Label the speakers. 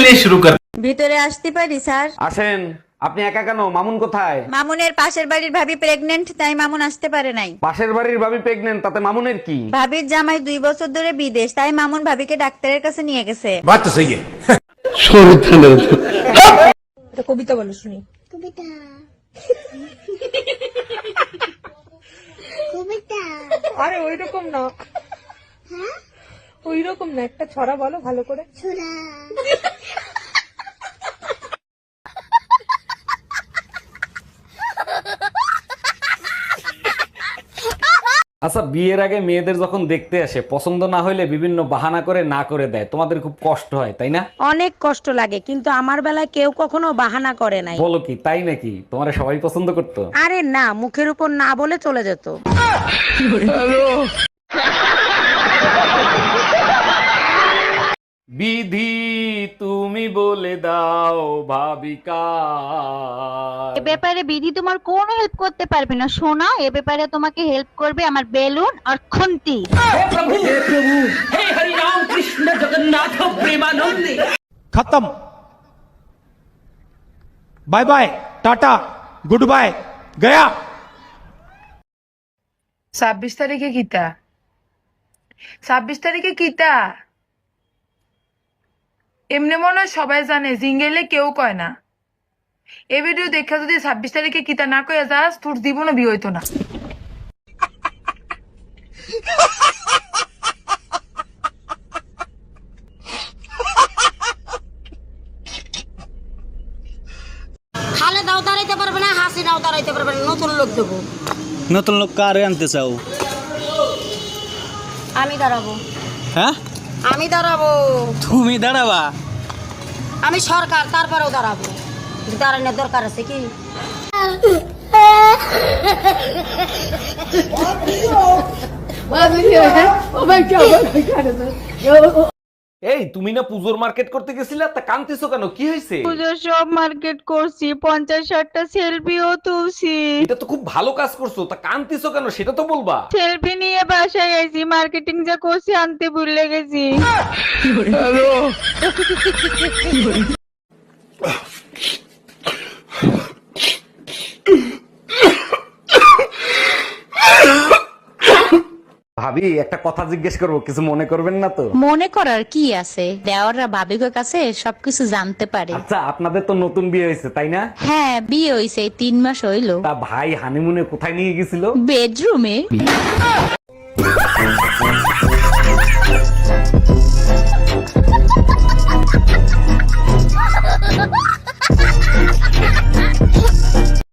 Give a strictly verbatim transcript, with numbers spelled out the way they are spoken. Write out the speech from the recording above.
Speaker 1: चलिए शुरू कर।
Speaker 2: ভিতরে আসতে পারি স্যার?
Speaker 3: আসেন। আপনি একা কেন? মামুন কোথায়?
Speaker 2: মামুনের পাশের বাড়ির ভাবি প্রেগনেন্ট, তাই মামুন আসতে পারে নাই।
Speaker 3: পাশের বাড়ির ভাবি প্রেগনেন্ট, তাতে মামুনের কি?
Speaker 2: ভাবির জামাই দুই বছর ধরে বিদেশ, তাই মামুন ভাবিকে ডাক্তারের কাছে নিয়ে গেছে।
Speaker 1: बात तो सही है।
Speaker 4: কবিতা বলো শুনি।
Speaker 5: কবিতা কবিতা
Speaker 4: আরে ওই রকম না,
Speaker 5: হ্যাঁ
Speaker 4: ওই রকম না, একটা ছড়া বলো ভালো করে।
Speaker 5: ছুরা
Speaker 3: আচ্ছা, বিয়ের আগে মেয়েদের যখন দেখতে আসে পছন্দ না হইলে বিভিন্ন বাহানা করে না করে দেয়, তোমাদের খুব কষ্ট হয় তাই না?
Speaker 6: অনেক কষ্ট লাগে, কিন্তু আমার বেলায় কেউ কখনো বাহানা করে নাই।
Speaker 3: বলো কি, তাই নাকি? তোমারে সবাই পছন্দ করতো?
Speaker 6: আরে না, মুখের উপর না বলে চলে যেত।
Speaker 3: বিধি তুমি বলে দাও ভাবিকা।
Speaker 7: এ ব্যাপারে বিধি তোমার কোনো হেল্প করতে পারবে না সোনা, এ ব্যাপারে তোমাকে হেল্প করবে আমার বেলুন আর খুন্তি।
Speaker 8: खत्म। Bye bye, tata, goodbye, गया।
Speaker 4: ছাব্বিশ তারিখে কিতা ছাব্বিশ তারিখে কিতা এমনি মনে হয় সবাই জানে, জিঙ্গেলে কেউ কয় না। এই ভিডিও দেখা যদি ছাব্বিশ তারিখে কিতা না কয়ে যাস, তোর জীবনও বিয়ে হইতো না।
Speaker 6: খালে দাও দাঁড়াইতে পারবে না, হাসি নাও দাঁড়াইতে পারবে না, নতুন লোক দেবো।
Speaker 9: নতুন লোক কারে আনতে চাও?
Speaker 6: আমি দাঁড়াবো,
Speaker 9: হ্যাঁ
Speaker 6: আমি দাঁড়াবো,
Speaker 9: তুমি দাঁড়াবা?
Speaker 6: আমি সরকার, তারপরেও দাঁড়াবো। দাঁড়ানোর দরকার আছে কি?
Speaker 3: এই তুমি না পুজোর মার্কেট করতে গেছিলা, তা কান্তিছো কেন? কি হয়েছে?
Speaker 7: পুজোর সব মার্কেট করছি, পঞ্চাশ ষাটটা সেলফিও তুলছি।
Speaker 3: এটা তো খুব ভালো কাজ করছো, তা কান্তিছো কেন সেটা তো বলবা।
Speaker 7: সেলফি নিয়ে বাসায় গেছি, মার্কেটিং যা করছি আনতে ভুলে গেছি।
Speaker 3: ভাবি, একটা কথা জিজ্ঞেস করবো, কিছু মনে করবেন না তো?
Speaker 2: মনে করার কি আছে, দেওয়াররা ভাবিকের কাছে সবকিছু জানতে পারে।
Speaker 3: আচ্ছা, আপনাদের তো নতুন বিয়ে হয়েছে তাই না?
Speaker 2: হ্যাঁ, বিয়ে হইছে, তিন মাস হইলো।
Speaker 3: তা ভাই হানিমুনে কোথায় নিয়ে গেছিল?
Speaker 2: বেডরুমে।